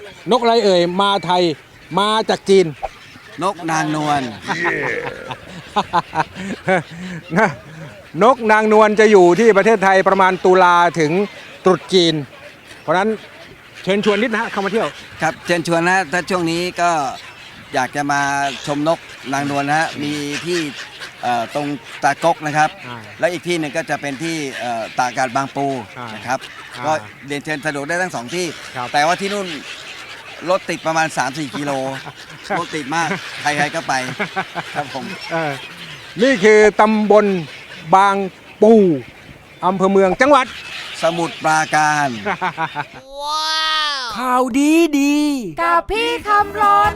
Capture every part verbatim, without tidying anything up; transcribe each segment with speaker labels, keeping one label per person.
Speaker 1: นกอะไรเอ่ยมาไทยมาจากจีน
Speaker 2: นกนางนวล
Speaker 1: นะนกนางนวลจะอยู่ที่ประเทศไทยประมาณตุลาถึงตรุษจีนเพราะฉะนั้นเชิญชวนนิดนะฮะเข้ามาเที่ยว
Speaker 2: ครับเชิญชวนนะถ้าช่วงนี้ก็อยากจะมาชมนกนางนวลนะฮะมีที่ตรงตากกนะครับและอีกที่หนึ่งก็จะเป็นที่ตากอากาศบางปูนะครับก็เดินเชิญสะดวกได้ทั้งสองที่แต่ว่าที่นู่นรถติดประมาณ สามสี่ กิโลรถติดมากใครๆก็ไปครับผม
Speaker 1: นี่คือตำบลบางปูอำเภอเมืองจังหวัด
Speaker 2: สมุทรปราการ
Speaker 1: ว้าวข่าวดีดี
Speaker 3: กับพี่คำรน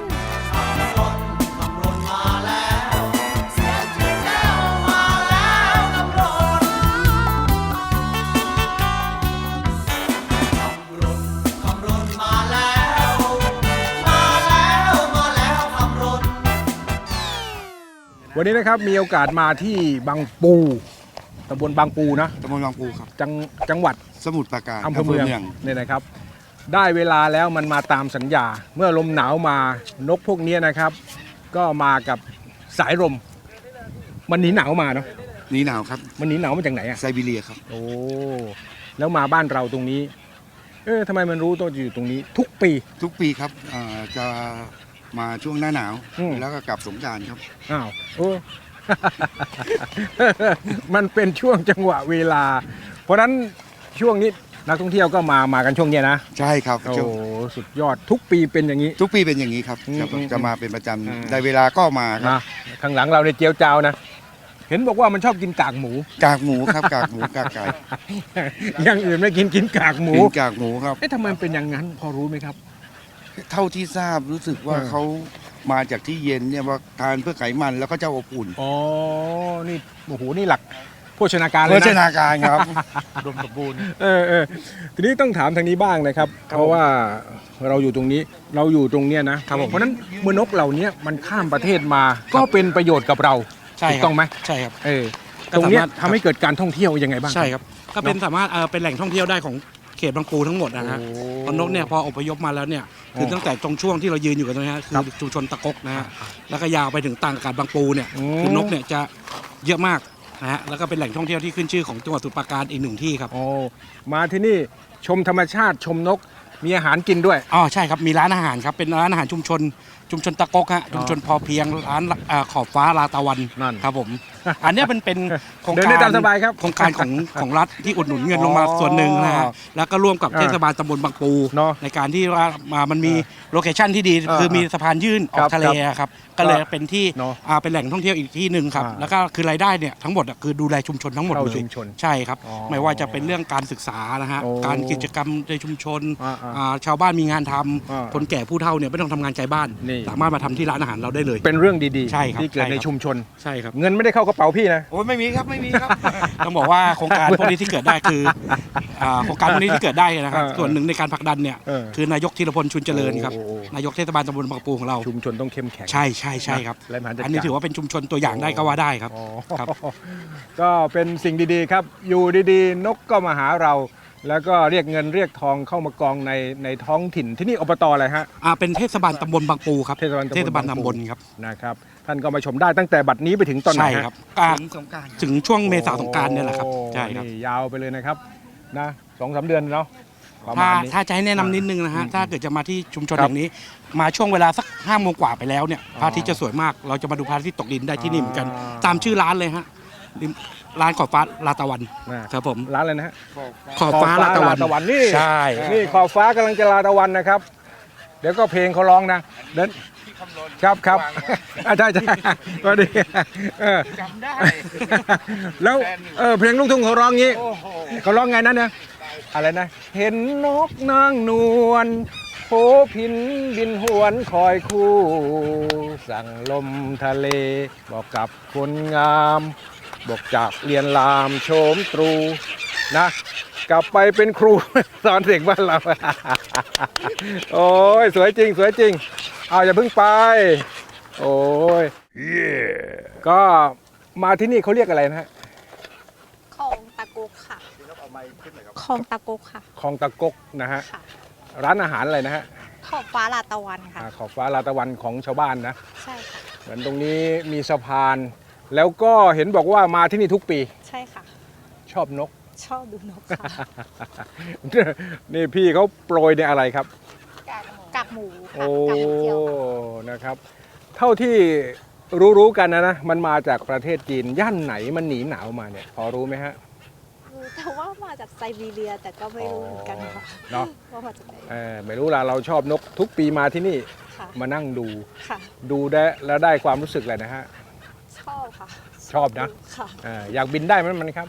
Speaker 1: วันนี้นะครับมีโอกาสมาที่บางปูตำบลบางปูนะ
Speaker 4: ตำบลบางปูครับ
Speaker 1: จังจังหวัด
Speaker 4: สมุทรปราการ
Speaker 1: อำเภอเมืองเนี่ยนะครับได้เวลาแล้วมันมาตามสัญญาเมื่อลมหนาวมานกพวกนี้นะครับก็มากับสายลมมันหนีหนาวมาเนาะ
Speaker 4: หนีหนาวครับ
Speaker 1: มันหนีหนาวมาจากไหนอะ
Speaker 4: ไซบีเรียครับ
Speaker 1: โอ้แล้วมาบ้านเราตรงนี้เออทำไมมันรู้ตัวอยู่ตรงนี้ทุกปี
Speaker 4: ทุกปีครับจะมาช่วงหน้าหนาวแล้วก็กลับสงกรานต์ครับ
Speaker 1: อ้าวโอ้ มันเป็นช่วงจังหวะเวลาเพราะนั้นช่วงนี้นักท่องเที่ยวก็มามากันช่วงนี้นะ
Speaker 4: ใช่ครับ
Speaker 1: โอ้สุดยอดทุกปีเป็นอย่างนี้
Speaker 4: ทุกปีเป็นอย่างนี้ครับจะมาเป็นประจำได้เวลาก็มาครับ
Speaker 1: ข้างหลังเราในเจียวจ้าวนะเห็นบอกว่ามันชอบกินกากหมู
Speaker 4: กากหมูครับกากหมูกากไก่
Speaker 1: อย่างอื่นไม่กินกินกากหมู
Speaker 4: กินกากหมูครับ
Speaker 1: เอ๊ะทำไมเป็นอย่างนั้นพอรู้ไหมครับ
Speaker 4: เท่าที่ทราบรู้สึกว่าเขามาจากที่เย็นเนี่ยว่าทานเพื่อไขมันแล้วก็เจ้าอบอุ่น
Speaker 1: อ๋อนี่โอ้โหนี่หลักโภชนาการเลยนะ
Speaker 4: โภชนาการครับ
Speaker 1: รวมสมบูรณ์เออเออทีนี้ต้องถามทางนี้บ้างนะครับเพราะว่าเราอยู่ตรงนี้เราอยู่ตรงเนี้ยนะเพราะนั้นเมื่อนกเหล่านี้มันข้ามประเทศมาก็เป็นประโยชน์กับเราถูกต้องไหม
Speaker 5: ใช่ครับ
Speaker 1: เออตรงนี้ทำให้เกิดการท่องเที่ยวยังไงบ้าง
Speaker 5: ใช่ครับก็เป็นสามารถเป็นแหล่งท่องเที่ยวได้ของเขตบางปูทั้งหมดนะฮะตอนนกเนี่ยพออพยพมาแล้วเนี่ยคือตั้งแต่ตรงช่วงที่เรายืนอยู่กันตรงนี้คือชุมชนตะกกนะฮะแล้วก็ยาวไปถึงต่างอากาศบางปูเนี่ยคือนกเนี่ยจะเยอะมากนะฮะแล้วก็เป็นแหล่งท่องเที่ยวที่ขึ้นชื่อของจังหวัดสมุทรปราการอีกหนึ่งที่ครับ
Speaker 1: โอ้มาที่นี่ชมธรรมชาติชมนกมีอาหารกินด้วย
Speaker 5: อ๋อใช่ครับมีร้านอาหารครับเป็นร้านอาหารชุมชนชุมชนตะกกฮะชุมชนพอเพียงร้านขอบฟ้าลาตะวันครับผมอันนี้เป็นเป็นโครงการโครงการของของรัฐที่อุดหนุนเงินลงมาส่วนหนึ่งนะฮะแล้วก็ร่วมกับเทศบาลตำบลบางปูในการที่ว่ามันมีโลเคชั่นที่ดีคือมีสะพานยื่นออกทะเลครับก็เลยเป็นที่เป็นแหล่งท่องเที่ยวอีกที่หนึ่งครับแล้วก็คือรายได้เนี่ยทั้งหมดคือดูแลชุมชนทั้งหมดเลยใช่ครับไม่ว่าจะเป็นเรื่องการศึกษานะฮะการกิจกรรมในชุมชนชาวบ้านมีงานทำคนแก่ผู้เฒ่าเนี่ยไม่ต้องทำงานไกลบ้านสามารถมาทำที่ร้านอาหารเราได้เลย
Speaker 1: เป็นเรื่องดี
Speaker 5: ๆ
Speaker 1: ที่เกิดในชุมชน
Speaker 5: ใช่ครับ
Speaker 1: เงินไม่ได้เข้ากระเป๋าพี่นะ
Speaker 5: โอ้ไม่มีครับไม่มีครับต้องบอกว่าโครงการพวกนี้ที่เกิดได้คือโครงการพวกนี้ที่เกิดได้นะครับส่วนหนึ่งในการผลักดันเนี่ยคือนายกธีรพลชุนเจริญครับนายกเทศบาลตำบลบางปูของเรา
Speaker 1: ชุมชนต้องเข้มแข็ง
Speaker 5: ใช่ใช่ใช่ครับอันนี้ถือว่าเป็นชุมชนตัวอย่างได้ก็ว่าได้ครับครับ
Speaker 1: ก็เป็นสิ่งดีๆครับอยู่ดีๆนกก็มาหาเราแล้วก็เรียกเงินเรียกทองเข้ามากองในในท้องถิ่นที่นี่อบตอะไรฮะ
Speaker 5: อ่าเป็นเทศบาลตำบลบางปูครับ
Speaker 1: เทศบาล
Speaker 5: เทศบาลตำบลครับ
Speaker 1: นะครับท่านก็มาชมได้ตั้งแต่บัดนี้ไปถึงตอนไหน
Speaker 5: ครับถึงสงกรานต์ถึงช่วงเมษาสงกรานต์เนี่ยแหละครับใช่ครับ
Speaker 1: ยาวไปเลยนะครับนะสองสามเดือนเนาะ
Speaker 5: ถ้าถ้าจะให้แนะนำนิดนึงนะฮะถ้าเกิดจะมาที่ชุมชนอย่างนี้มาช่วงเวลาสักห้าโมงกว่าไปแล้วเนี่ยพระอาทิตย์จะสวยมากเราจะมาดูพระอาทิตย์ตกดินได้ที่นี่เหมือนกันตามชื่อร้านเลยฮะร้านขอบฟ้าลาตะวันครับผม
Speaker 1: ร้านอะไรนะฮะ
Speaker 5: ขอบฟ้าลาตะวัน
Speaker 1: นี่
Speaker 5: ใช่
Speaker 1: นี่ขอบฟ้ากำลังจะลาตะวันนะครับเดี๋ยวก็เพลงเขาร้องนะเดินครับครับใช่ใช่ก็ดี
Speaker 5: จำได้
Speaker 1: แล้วเออเพลงลูกทุ่งเขาร้องงี้เขาร้องไงนั้นเนี่ยอะไรนะเห็นนกนางนวลโผพินบินหวนคอยคู่สั่งลมทะเลบอกกับคนงามบอกจากเรียนรามโฉมตรูนะกลับไปเป็นครูสอนเด็กบ้านเราโอ้ยสวยจริงสวยจริงเอาอย่าเพิ่งไปโอ้ยก็มาที่นี่เขาเรียกอะไรนะฮะ
Speaker 3: คลองตะกกค่ะคลองตะกกค่ะ
Speaker 1: คลองตะกกนะฮะร้านอาหารอะไรนะฮะ
Speaker 3: ขอบฟ้าลาตะวันค่ะ
Speaker 1: อ่าขอบฟ้าลาตะวันของชาวบ้านนะ
Speaker 3: ใช่ค่ะ
Speaker 1: เหมือนตรงนี้มีสะพาน แล้วก็เห็นบอกว่ามาที่นี่ทุกปี
Speaker 3: ใช่ค่ะ
Speaker 1: ชอบนก
Speaker 3: ชอบดูนกค่ะ
Speaker 1: นี่พี่เขาโปรยในอะไรครับ
Speaker 3: กากหมูค่ะ
Speaker 1: โอ้
Speaker 3: กากหมูเจียวค่ะ
Speaker 1: นะครับ เท่าที่รู้ๆกันนะนะ มันมาจากประเทศจีน ย่านไหนมันหนีหนาวมาเนี่ย พอรู้ไหมฮะ
Speaker 3: รู้แต่ว่ามาจากไซบีเรียแต่ก็ไม่รู้เหมือนกันค่ะ
Speaker 1: เนาะ
Speaker 3: ว่ามาจากไหน
Speaker 1: เออไม่รู้ละเราชอบนกทุกปีมาที่นี่
Speaker 3: ค่ะ
Speaker 1: มานั่งดู
Speaker 3: ค่ะ
Speaker 1: ดูได้แล้วได้ความรู้สึกอะไรนะฮะ
Speaker 3: ชอบค่ะ
Speaker 1: ชอบนะ
Speaker 3: ค่ะ
Speaker 1: เอออยากบินได้ไหมมันครับ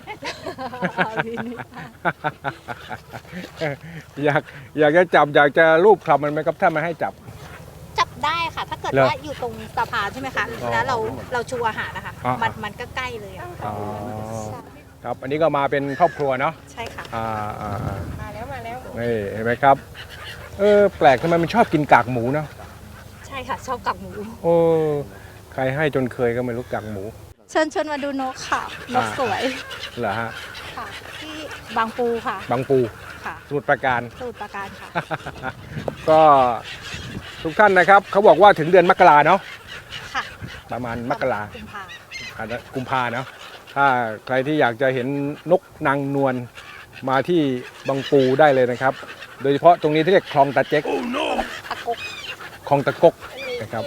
Speaker 1: อยากอยากจะจับอยากจะรูปคลำมันไหมครับถ้ามันให้จับ
Speaker 3: จับได้ค่ะ ถ้าเกิด
Speaker 1: เหรอ
Speaker 3: ว่าอยู่ตรงสะพานใช่ไหมคะ
Speaker 1: อ๋อ
Speaker 3: แล้วเราเราชูอาหารนะคะ
Speaker 1: อ๋อ
Speaker 3: มันมันก็ใกล้เลยอะ
Speaker 1: อ๋อ
Speaker 3: ใช่
Speaker 1: ครับ อันนี้ก็มาเป็นครอบครัวเนาะ
Speaker 3: ใช่ค่ะ
Speaker 1: อ่าอ่าอ่า
Speaker 3: มาแล้วมาแล้ว
Speaker 1: นี่เห็นไหมครับ เออแปลกทำไมมันชอบกินกากหมูเนาะ
Speaker 3: ใช่ค่ะ ชอบกากหมู
Speaker 1: โอ้ใครให้จนเคยก็ไม่รู้กากหมู
Speaker 3: เชิญชวนมาดูนกค่ะ นกสวย
Speaker 1: เหรอฮะ
Speaker 3: ค่ะ ที่บางปูค่ะ
Speaker 1: บางปู
Speaker 3: ค่ะ
Speaker 1: สมุทรปราการ
Speaker 3: สมุทรปราการค่ะ
Speaker 1: ก็ทุกท่านนะครับเขาบอกว่าถึงเดือนมกราเนาะ
Speaker 3: ค่ะ
Speaker 1: ประมาณมกรา
Speaker 3: กุมภา
Speaker 1: อ่ากุมภาเนาะถ้าใครที่อยากจะเห็นนกนางนวลมาที่บางปูได้เลยนะครับ โดยเฉพาะตรงนี้ที่เรียกคลองตาเจ๊ก
Speaker 3: ตะกก
Speaker 1: คลองตะกกนะครับ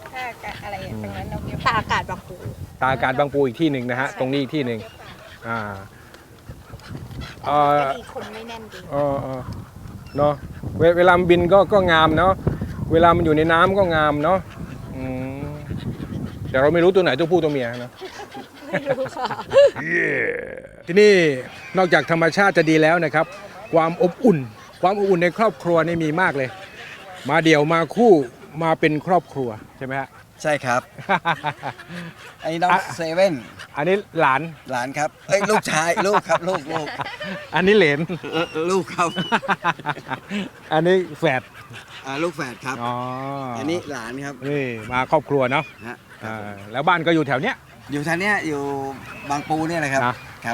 Speaker 3: ตาอากาศบางปู
Speaker 1: ตาอากาศบางปูอีกที่หนึ่งนะฮะตรงนี้อีกที่หนึ่งอ่าเอ่อ
Speaker 3: ก็ดีคนไม่แน่นดี
Speaker 1: เออเออเนาะเวเวลามันบินก็ก็งามเนาะเวลามันอยู่ในน้ำก็งามเนาะอืมแต่เราไม่รู้ตัวไหนตัวผู้ตัวเมียเนาะ
Speaker 3: ไม่รู้ค่ะ
Speaker 1: ที่นี่นอกจากธรรมชาติจะดีแล้วนะครับ ความอบอุ่น ความอบอุ่นในครอบครัวนี่มีมากเลย มาเดี่ยวมาคู่มาเป็นครอบครัวใช่ไหมฮะ
Speaker 2: ใช่ครับ ไอ้น้อง
Speaker 1: อ่ะ
Speaker 2: เซเว่น
Speaker 1: อันนี้หลาน
Speaker 2: หลานครับเอ้ยลูกชาย ลูกครับลูกลูก
Speaker 1: อันนี้เหลน
Speaker 2: เออลูกครับ
Speaker 1: อันนี้แฝด
Speaker 2: อ่าลูกแฝดครับ
Speaker 1: อ๋อ
Speaker 2: อั
Speaker 1: อั
Speaker 2: นนี้หลานครับ
Speaker 1: นี่มาครอบครัวเนาะ
Speaker 2: ฮะ
Speaker 1: อ่าแล้วบ้านก็อยู่แถวเนี้ย
Speaker 2: อยู่ทางเนี้ยอยู่บางปูเนี่ยนะครับ
Speaker 1: นะ
Speaker 2: ครับ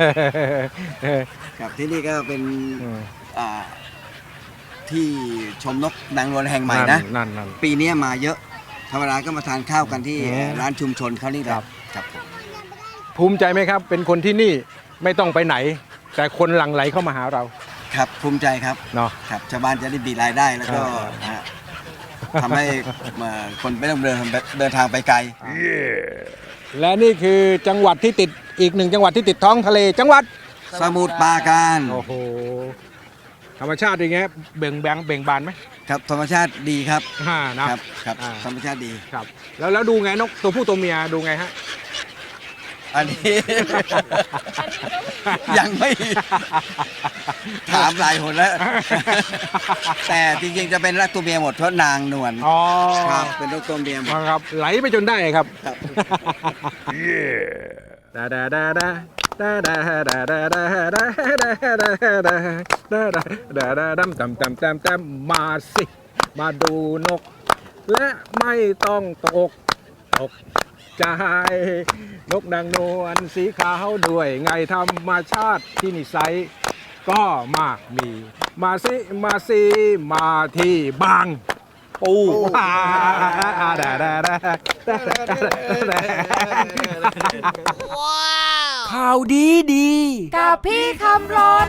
Speaker 2: ครับที่นี่ก็เป็น
Speaker 1: อืม
Speaker 2: อ่าที่ชมนกนางนวลแห่งใหม่นะ
Speaker 1: นั่นนั่น
Speaker 2: ปีนี้มาเยอะธรรมดาก็มาทานข้าวกันที่
Speaker 1: อืม
Speaker 2: ร้านชุมชนเขานี่แหละ
Speaker 1: ครับ
Speaker 2: ครับผม
Speaker 1: ภูมิใจไหมครับ เป็นคนที่นี่ไม่ต้องไปไหน แต่คนหลั่งไหลเข้ามาหาเรา
Speaker 2: ครับภูมิใจครับ
Speaker 1: เนาะ
Speaker 2: ครับชาวบ้านจะได้มีรายได้แล้วก็
Speaker 1: อ่า
Speaker 2: ฮะทำให้เอ่อคนไม่ต้องเดินเดินทางไปไกล
Speaker 1: และนี่คือจังหวัดที่ติดอีกหนึ่งจังหวัดที่ติดท้องทะเลจังหวัด
Speaker 2: สมุทรปราการ
Speaker 1: โอ้โหธรรมชาติอย่างเงี้ยเบ่งแบงเบ่งบานไหม
Speaker 2: ครับธรรมชาติดีครับ
Speaker 1: ฮ่านะครับ
Speaker 2: ครับ
Speaker 1: อ่า
Speaker 2: ธรรมชาติดี
Speaker 1: ครับ แล้วแล้วดูไงนกตัวผู้ตัวเมียดูไงฮะ
Speaker 2: อันนี้ ยังไม่ ถามหลายคนแล้ว แต่จริงๆจะเป็นรักตัวเมียหมดเพราะนางนวล
Speaker 1: อ๋อ
Speaker 2: ครับเป็นรักตัวเมียหมด
Speaker 1: ครับไหลไปจนได้ครับ
Speaker 2: ครับ
Speaker 1: ดาดาดาดาดาดาดาดาดาดาดาดาดาดาดาดาดาดำตำตำตำตำมาสิ มาดูนก และไม่ต้องตกตกใจนกนางนวลสีขาวด้วยไงธรรมชาติที่นิสัยก็มากมี มาสิ มาสิ มาที่บางปูดาดาดาดา
Speaker 6: ข่าวดีดี
Speaker 3: กับพี่คำรน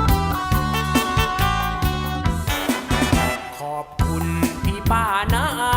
Speaker 6: ขอบคุณพี่ป้านาอา